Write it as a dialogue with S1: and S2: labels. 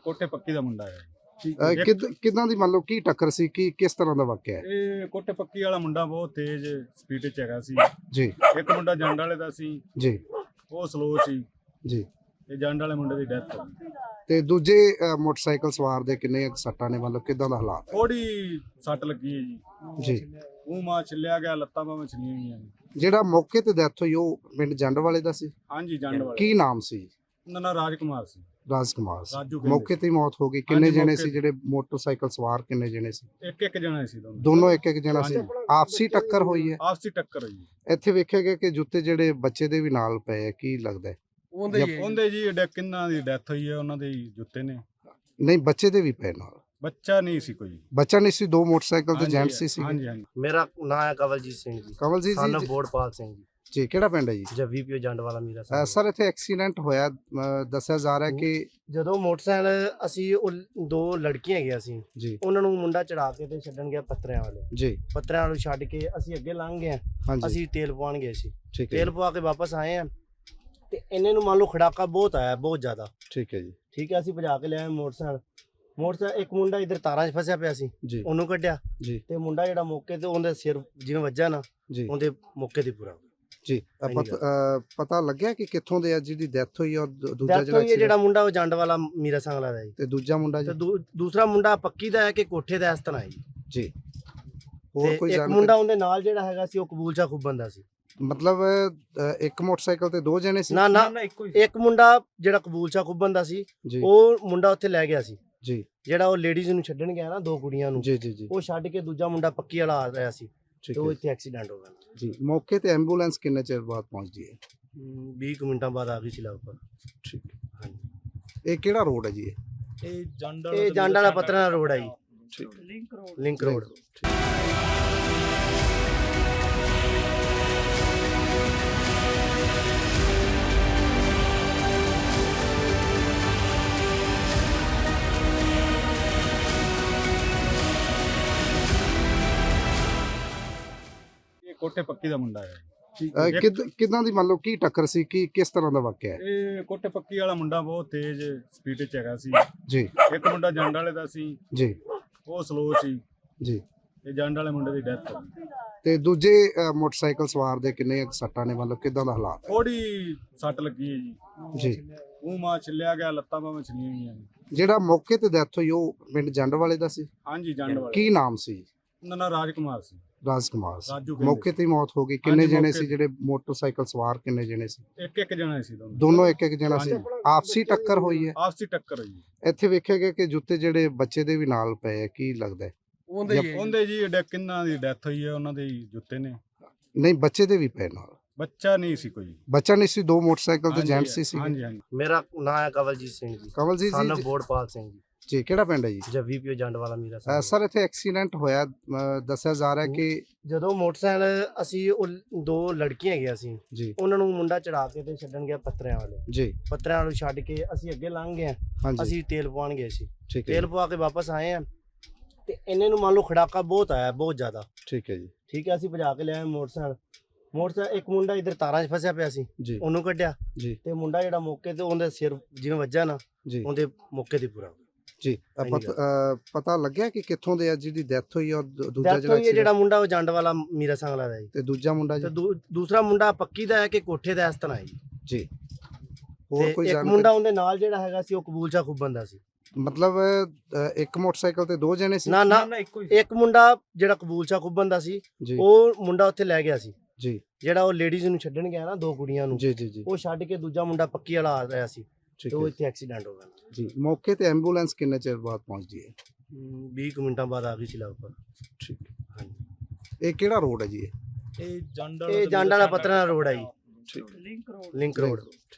S1: ਕੋਠੇ ਪੱਕੀ ਦਾ ਮੁੰਡਾ ਹੈ
S2: ਕਿਦਾਂ ਦੀ ਮੰਨ ਲਓ ਕੀ ਟੱਕਰ ਸੀ, ਕੀ ਕਿਸ ਤਰ੍ਹਾਂ ਦਾ ਵਾਕਿਆ ਹੈ?
S1: ਇਹ ਕੋਠੇ ਪੱਕੀ ਵਾਲਾ ਮੁੰਡਾ ਬਹੁਤ ਤੇਜ਼ ਸਪੀਡ 'ਚ ਹੈਗਾ ਸੀ।
S2: ਜੀ
S1: ਇੱਕ ਮੁੰਡਾ ਜੰਡ ਵਾਲੇ ਦਾ ਸੀ,
S2: ਜੀ
S1: ਉਹ ਸਲੋ ਸੀ
S2: ਜੀ।
S1: ਤੇ ਜੰਡ ਵਾਲੇ ਮੁੰਡੇ ਦੀ ਡੈਥ ਹੋ ਗਈ।
S2: ਤੇ ਦੂਜੇ ਮੋਟਰਸਾਈਕਲ ਸਵਾਰ ਦੇ ਕਿੰਨੇ ਸੱਟਾਂ ਨੇ, ਮਤਲਬ ਕਿਦਾਂ ਦਾ ਹਾਲਾਤ?
S1: ਥੋੜੀ ਸੱਟ ਲੱਗੀ ਹੈ ਜੀ।
S2: ਜੀ।
S1: ਮੂੰਹ ਮਾਂ ਛਿੱਲਿਆ ਗਿਆ, ਲੱਤਾਂ ਬਾਹਾਂ ਛਿੱਲੀਆਂ ਗਈਆਂ ਨੇ।
S2: ਜਿਹੜਾ ਮੌਕੇ ਤੇ ਡੈਥ ਹੋਈ ਉਹ ਪਿੰਡ ਜੰਡ ਵਾਲੇ ਦਾ ਸੀ?
S1: ਹਾਂਜੀ ਜੰਡ ਵਾਲੇ।
S2: ਕੀ ਨਾਮ ਸੀ?
S1: ਉਹਨਾਂ ਦਾ ਰਾਜਕੁਮਾਰ ਸੀ।
S2: ਰਾਜਕੁਮਾਰ ਸੀ।
S1: ਰਾਜੂ ਕਹਿੰਦੇ
S2: ਮੌਕੇ ਤੇ ਹੀ ਮੌਤ ਹੋ ਗਈ। ਕਿੰਨੇ ਜਣੇ ਸੀ ਜਿਹੜੇ ਮੋਟਰਸਾਈਕਲ ਸਵਾਰ, ਕਿੰਨੇ ਜਣੇ ਸੀ?
S1: ਇੱਕ ਜਣਾ ਸੀ ਦੋਨੋਂ।
S2: ਦੋਨੋਂ ਇੱਕ ਜਣਾ ਸੀ। ਆਪਸੀ ਟੱਕਰ ਹੋਈ ਹੈ?
S1: ਆਪਸੀ ਟੱਕਰ ਹੋਈ।
S2: ਇੱਥੇ ਵੇਖਿਆ ਗਿਆ ਕਿ ਜੁੱਤੇ ਜਿਹੜੇ ਬੱਚੇ ਦੇ ਵੀ ਨਾਲ ਪਏ ਆ, ਕੀ ਲੱਗਦਾ ਹੈ?
S1: ਉਹਦੇ ਜੀ ਕਿੰਨਾਂ ਦੀ ਡੈਥ ਹੋਈ ਹੈ, ਉਹਨਾਂ ਦੇ ਜੁੱਤੇ ਨੇ।
S2: ਨਹੀਂ, ਬੱਚੇ ਦੇ ਵੀ ਪਏ ਨਾਲ।
S1: ਬੱਚਾ ਨਹੀਂ ਸੀ ਕੋਈ।
S2: ਬੱਚਾ ਨਹੀਂ ਸੀ। ਦੋ ਮੋਟਰਸਾਈਕਲ ਤੇ ਜੈਂਟ ਸੀ।
S1: ਹਾਂਜੀ ਹਾਂਜੀ।
S3: ਮੇਰਾ ਨਾਮ ਹੈ ਕਵਲਜੀਤ ਸਿੰਘ ਜੀ।
S2: ਕਵਲਜੀਤ
S3: ਸਾਨੂੰ
S2: ਜੀ
S3: ਬੋੜਪਾਲ ਸਿੰਘ ਜੀ।
S2: ਕਿਹੜਾ ਪਿੰਡ ਹੈ ਜੀ?
S3: ਜੱਵੀ ਪਿਓ ਜੰਡ ਵਾਲਾ ਮੇਰਾ ਸਾਹਿਬ।
S2: ਸਰ ਇੱਥੇ ਐਕਸੀਡੈਂਟ ਹੋਇਆ, ਦੱਸਿਆ ਜਾ ਰਿਹਾ ਕਿ
S3: ਜਦੋਂ ਮੋਟਰਸਾਈਕਲ ਅਸੀਂ ਉਹ ਦੋ ਲੜਕੀਆਂ ਹੈਗੀਆਂ ਸੀ,
S2: ਜੀ
S3: ਉਹਨਾਂ ਨੂੰ ਮੁੰਡਾ ਚੜਾ ਕੇ ਤੇ ਛੱਡਣ ਗਿਆ ਪੱਤਰਿਆਂ ਵਾਲੇ।
S2: ਜੀ
S3: ਪੱਤਰਿਆਂ ਵਾਲੇ ਛੱਡ ਕੇ ਅਸੀਂ ਅੱਗੇ ਲੰਘ ਗਏ।
S2: ਹਾਂਜੀ
S3: ਅਸੀਂ ਤੇਲ ਪਵਾਉਣ ਗਏ ਸੀ।
S2: ਠੀਕ ਹੈ
S3: ਤੇਲ ਪਵਾ ਕੇ ਵਾਪਸ ਆਏ ਆ ਤੇ ਇਹਨੇ ਨੂੰ ਮੰਨ ਲਓ ਖੜਾਕਾ ਬਹੁਤ ਆਇਆ, ਬਹੁਤ ਜ਼ਿਆਦਾ।
S2: ਠੀਕ ਹੈ ਜੀ।
S3: ਠੀਕ ਹੈ, ਅਸੀਂ ਭਜਾ ਕੇ ਲਿਆਏ ਮੋਟਰਸਾਈਕਲ ਇੱਕ ਮੁੰਡਾ ਇੱਧਰ ਤਾਰਾਂ 'ਚ ਫਸਿਆ ਪਿਆ ਸੀ,
S2: ਜੀ
S3: ਉਹਨੂੰ ਕੱਢਿਆ।
S2: ਜੀ
S3: ਤੇ ਮੁੰਡਾ ਜਿਹੜਾ ਮੌਕੇ ਤੇ ਉਹਦੇ ਸਿਰ ਜਿਵੇਂ ਵੱਜਾ ਨਾ,
S2: ਜੀ
S3: ਉਹਦੇ ਮੌਕੇ ਤੇ ਪੂਰਾ।
S2: ਜੀ ਪਤਾ ਲੱਗਿਆ ਕਿ ਕਿੱਥੋਂ ਦੇ ਆ ਜਿਹਦੀ ਡੈਥ ਹੋਈ, ਔਰ ਦੂਜਾ
S3: ਡੈਥ ਹੋਈ ਹੈ
S2: ਜਿਹੜਾ
S3: ਜਿਹੜਾ ਮੁੰਡਾ ਉਹ ਜੰਡ ਵਾਲਾ ਮੀਰਾ ਸੰਗਲਾ ਦਾ ਜੀ।
S2: ਤੇ ਦੂਜਾ ਮੁੰਡਾ
S3: ਤੇ
S2: ਜੀ?
S3: ਦੂਸਰਾ ਮੁੰਡਾ ਪੱਕੀ ਦਾ ਹੈ ਕਿ ਕੋਠੇ ਦਾ ਇਸ ਤਰ੍ਹਾਂ ਹੈ ਜੀ।
S2: ਜੀ ਹੋਰ
S3: ਤੇ
S2: ਕੋਈ
S3: ਇੱਕ ਮੁੰਡਾ ਉਹਦੇ ਨਾਲ ਜਿਹੜਾ ਹੈਗਾ ਸੀ ਉਹ ਕਬੂਲ ਸ਼ਾਹ ਖੁੱਬਨ ਦਾ ਸੀ।
S2: ਮਤਲਬ ਇੱਕ ਮੋਟਰਸਾਈਕਲ ਤੇ ਦੋ ਜਣੇ ਸੀ?
S3: ਨਾ ਨਾ, ਇੱਕ ਮੁੰਡਾ ਜਿਹੜਾ ਕਬੂਲ ਸ਼ਾਹ ਖੁੱਬਨ ਦਾ ਸੀ,
S2: ਜੀ
S3: ਉਹ ਮੁੰਡਾ ਉੱਥੇ ਲੈ ਗਿਆ ਸੀ।
S2: ਜੀ
S3: ਜਿਹੜਾ ਉਹ ਲੇਡੀਜ਼ ਨੂੰ ਛੱਡਣ ਗਿਆ ਨਾ, ਦੋ ਕੁੜੀਆਂ ਨੂੰ,
S2: ਜੀ ਜੀ
S3: ਉਹ ਛੱਡ ਕੇ ਦੂਜਾ ਮੁੰਡਾ ਪੱਕੀ ਵਾਲਾ ਆ ਰਿਹਾ ਸੀ
S2: ਠੀਕ
S3: ਤੇ ਉਹ
S2: ਹੈ
S3: ਇੱਥੇ ਐਕਸੀਡੈਂਟ ਹੋ ਗਿਆ।
S2: ਜੀ। ਮੌਕੇ ਤੇ ਐਂਬੂਲੈਂਸ ਕਿੰਨੇ ਚਿਰ ਬਾਅਦ ਪਹੁੰਚਦੀ ਹੈ?
S3: 20 ਕੁ ਮਿੰਟਾਂ ਬਾਅਦ ਆ ਗਈ ਸੀ ਲਗਭਗ।
S2: ਠੀਕ ਹੈ।
S3: ਹਾਂਜੀ,
S2: ਇਹ ਕਿਹੜਾ ਰੋਡ ਹੈ ਜੀ?
S1: ਇਹ ਜੰਡ
S3: ਇਹ ਜੰਡ ਵਾਲਾ ਪੱਤਰਾਂ ਰੋਡ ਹੈ ਜੀ,
S2: ਠੀਕ
S3: ਲਿੰਕ ਰੋਡ।
S1: ਇਹ ਕੋਠੇ ਪੱਕੀ ਦਾ ਮੁੰਡਾ ਹੈ
S2: ਕਿਦਾਂ ਦੀ ਮੰਨ ਲਓ ਕੀ ਟੱਕਰ ਸੀ, ਕੀ ਕਿਸ ਤਰ੍ਹਾਂ ਦਾ ਵਾਕਿਆ ਹੈ?
S1: ਇਹ ਕੋਠੇ ਪੱਕੀ ਵਾਲਾ ਮੁੰਡਾ ਬਹੁਤ ਤੇਜ਼ ਸਪੀਡ 'ਚ ਹੈਗਾ ਸੀ।
S2: ਜੀ
S1: ਇੱਕ ਮੁੰਡਾ ਜੰਡ ਵਾਲੇ ਦਾ ਸੀ,
S2: ਜੀ
S1: ਉਹ ਸਲੋ ਸੀ
S2: ਜੀ।
S1: ਤੇ ਜੰਡ ਵਾਲੇ ਮੁੰਡੇ ਦੀ ਡੈਥ ਹੋ ਗਈ।
S2: ਤੇ ਦੂਜੇ ਮੋਟਰਸਾਈਕਲ ਸਵਾਰ ਦੇ ਕਿੰਨੇ ਸੱਟਾਂ ਨੇ, ਮਤਲਬ ਕਿਦਾਂ ਦਾ ਹਾਲਾਤ?
S1: ਥੋੜੀ ਸੱਟ ਲੱਗੀ ਹੈ ਜੀ।
S2: ਜੀ
S1: ਮੂੰਹ ਮਾਂ ਛਿੱਲਿਆ ਗਿਆ, ਲੱਤਾਂ ਬਾਹਾਂ ਛਿੱਲੀਆਂ ਗਈਆਂ ਨੇ।
S2: ਜਿਹੜਾ ਮੌਕੇ ਤੇ ਡੈਥ ਹੋਈ ਉਹ ਪਿੰਡ ਜੰਡ ਵਾਲੇ ਦਾ ਸੀ?
S1: ਹਾਂਜੀ ਜੰਡ ਵਾਲੇ।
S2: ਕੀ ਨਾਮ ਸੀ?
S1: ਉਹਨਾਂ ਦਾ ਰਾਜਕੁਮਾਰ ਸੀ।
S2: ਰਾਜਕੁਮਾਰ ਸੀ।
S1: ਰਾਜੂ ਕਹਿੰਦੇ
S2: ਮੌਕੇ ਤੇ ਹੀ ਮੌਤ ਹੋ ਗਈ। ਕਿੰਨੇ
S1: ਹਾਂਜੀ,
S2: ਜਣੇ
S1: ਮੌਕੇ
S2: ਸੀ ਜਿਹੜੇ ਮੋਟਰਸਾਈਕਲ ਸਵਾਰ, ਕਿੰਨੇ ਜਣੇ ਸੀ?
S1: ਇੱਕ ਜਣਾ ਸੀ ਦੋਨੋਂ।
S2: ਦੋਨੋਂ ਇੱਕ ਜਣਾ ਸੀ। ਆਪਸੀ ਟੱਕਰ ਹੋਈ ਹੈ?
S1: ਆਪਸੀ ਟੱਕਰ ਹੋਈ।
S2: ਇੱਥੇ ਵੇਖਿਆ ਗਿਆ ਕਿ ਜੁੱਤੇ ਜਿਹੜੇ ਬੱਚੇ ਦੇ ਵੀ ਨਾਲ ਪਏ ਆ, ਕੀ ਲੱਗਦਾ ਹੈ?
S1: ਉਹਦੇ ਜੀ ਕਿੰਨਾਂ ਦੀ ਡੈਥ ਹੋਈ ਹੈ, ਉਹਨਾਂ ਦੇ ਜੁੱਤੇ ਨੇ।
S2: ਨਹੀਂ, ਬੱਚੇ ਦੇ ਵੀ ਪਏ ਨਾਲ।
S1: ਬੱਚਾ ਨਹੀਂ ਸੀ ਕੋਈ।
S2: ਬੱਚਾ ਨਹੀਂ ਸੀ। ਦੋ ਮੋਟਰਸਾਈਕਲ ਤੇ ਜੈਂਟ ਸੀ।
S1: ਹਾਂਜੀ ਹਾਂਜੀ।
S3: ਮੇਰਾ ਨਾਮ ਹੈ ਕਵਲਜੀਤ ਸਿੰਘ ਜੀ।
S2: ਕਵਲਜੀਤ
S3: ਸਾਨੂੰ
S2: ਜੀ
S3: ਬੋੜਪਾਲ ਸਿੰਘ ਜੀ।
S2: ਕਿਹੜਾ ਪਿੰਡ ਹੈ ਜੀ?
S3: ਜੱਵੀ ਪਿਓ ਜੰਡ ਵਾਲਾ ਮੇਰਾ ਸਾਹਿਬ।
S2: ਸਰ ਇੱਥੇ ਐਕਸੀਡੈਂਟ ਹੋਇਆ, ਦੱਸਿਆ ਜਾ ਰਿਹਾ ਕਿ
S3: ਜਦੋਂ ਮੋਟਰਸਾਈਕਲ ਅਸੀਂ ਉਹ ਦੋ ਲੜਕੀਆਂ ਹੈਗੀਆਂ ਸੀ,
S2: ਜੀ
S3: ਉਹਨਾਂ ਨੂੰ ਮੁੰਡਾ ਚੜਾ ਕੇ ਤੇ ਛੱਡਣ ਗਿਆ ਪੱਤਰਿਆਂ ਵਾਲੇ।
S2: ਜੀ
S3: ਪੱਤਰਿਆਂ ਵਾਲੇ ਛੱਡ ਕੇ ਅਸੀਂ ਅੱਗੇ ਲੰਘ ਗਏ।
S2: ਹਾਂਜੀ
S3: ਅਸੀਂ ਤੇਲ ਪਵਾਉਣ ਗਏ ਸੀ।
S2: ਠੀਕ ਹੈ
S3: ਤੇਲ ਪਵਾ ਕੇ ਵਾਪਸ ਆਏ ਆ ਤੇ ਇਹਨੇ ਨੂੰ ਮੰਨ ਲਓ ਖੜਾਕਾ ਬਹੁਤ ਆਇਆ, ਬਹੁਤ ਜ਼ਿਆਦਾ।
S2: ਠੀਕ ਹੈ ਜੀ।
S3: ਠੀਕ ਹੈ, ਅਸੀਂ ਭਜਾ ਕੇ ਲਿਆਏ ਮੋਟਰਸਾਈਕਲ ਇੱਕ ਮੁੰਡਾ ਇੱਧਰ ਤਾਰਾਂ 'ਚ ਫਸਿਆ ਪਿਆ ਸੀ,
S2: ਜੀ
S3: ਉਹਨੂੰ ਕੱਢਿਆ।
S2: ਜੀ
S3: ਤੇ ਮੁੰਡਾ ਜਿਹੜਾ ਮੌਕੇ ਤੇ ਉਹਦੇ ਸਿਰ ਜਿਵੇਂ ਵੱਜਾ ਨਾ,
S2: ਜੀ
S3: ਉਹਦੇ ਮੌਕੇ ਤੇ ਪੂਰਾ।
S2: ਜੀ ਪਤਾ ਲੱਗਿਆ ਕਿ ਕਿੱਥੋਂ ਦੇ ਆ ਜਿਹਦੀ ਡੈਥ ਹੋਈ, ਔਰ ਦੂਜਾ
S3: ਡੈਥ ਹੋਈ ਹੈ ਜਿਹੜਾ ਮੁੰਡਾ ਉਹ ਜੰਡ ਵਾਲਾ ਮੀਰਾ ਸੰਗਲਾ ਦਾ ਜੀ।
S2: ਤੇ ਦੂਜਾ ਮੁੰਡਾ
S3: ਤੇ
S2: ਜੀ?
S3: ਦੂਸਰਾ ਮੁੰਡਾ ਪੱਕੀ ਦਾ ਹੈ ਕਿ ਕੋਠੇ ਦਾ ਇਸ ਤਰ੍ਹਾਂ ਹੈ ਜੀ।
S2: ਜੀ ਹੋਰ ਕੋਈ
S3: ਇੱਕ ਮੁੰਡਾ ਉਹਦੇ ਨਾਲ ਜਿਹੜਾ ਹੈਗਾ ਸੀ ਉਹ ਕਬੂਲ ਸ਼ਾਹ ਖੁੱਬਨ ਦਾ ਸੀ।
S2: ਮਤਲਬ ਇੱਕ ਮੋਟਰਸਾਈਕਲ ਤੇ ਦੋ ਜਣੇ ਸੀ?
S3: ਨਾ ਨਾ, ਇੱਕ ਮੁੰਡਾ ਜਿਹੜਾ ਕਬੂਲ ਸ਼ਾਹ ਖੁੱਬਨ ਦਾ ਸੀ,
S2: ਜੀ
S3: ਉਹ ਮੁੰਡਾ ਉੱਥੇ ਲੈ ਗਿਆ ਸੀ।
S2: ਜੀ
S3: ਜਿਹੜਾ ਉਹ ਲੇਡੀਜ਼ ਨੂੰ ਛੱਡਣ ਗਿਆ ਨਾ, ਦੋ ਕੁੜੀਆਂ ਨੂੰ,
S2: ਜੀ ਜੀ ਜੀ
S3: ਉਹ ਛੱਡ ਕੇ ਦੂਜਾ ਮੁੰਡਾ ਪੱਕੀ ਵਾਲਾ ਆ ਰਿਹਾ ਸੀ
S2: ਠੀਕ
S3: ਤੇ ਉਹ
S2: ਹੈ
S3: ਇੱਥੇ ਐਕਸੀਡੈਂਟ ਹੋ ਗਿਆ।
S2: ਜੀ। ਮੌਕੇ ਤੇ ਐਂਬੂਲੈਂਸ ਕਿੰਨੇ ਚਿਰ ਬਾਅਦ ਪਹੁੰਚਦੀ ਹੈ?
S3: 20 ਕੁ ਮਿੰਟਾਂ ਬਾਅਦ ਆ ਗਈ ਸੀ ਲਗਭਗ।
S2: ਠੀਕ ਹੈ।
S3: ਹਾਂਜੀ,
S2: ਇਹ ਕਿਹੜਾ ਰੋਡ ਹੈ ਜੀ?
S1: ਇਹ
S3: ਇਹ ਜੰਡ ਵਾਲਾ ਪੱਤਰਾਂ ਰੋਡ ਹੈ ਜੀ,
S2: ਠੀਕ
S3: ਲਿੰਕ ਰੋਡ।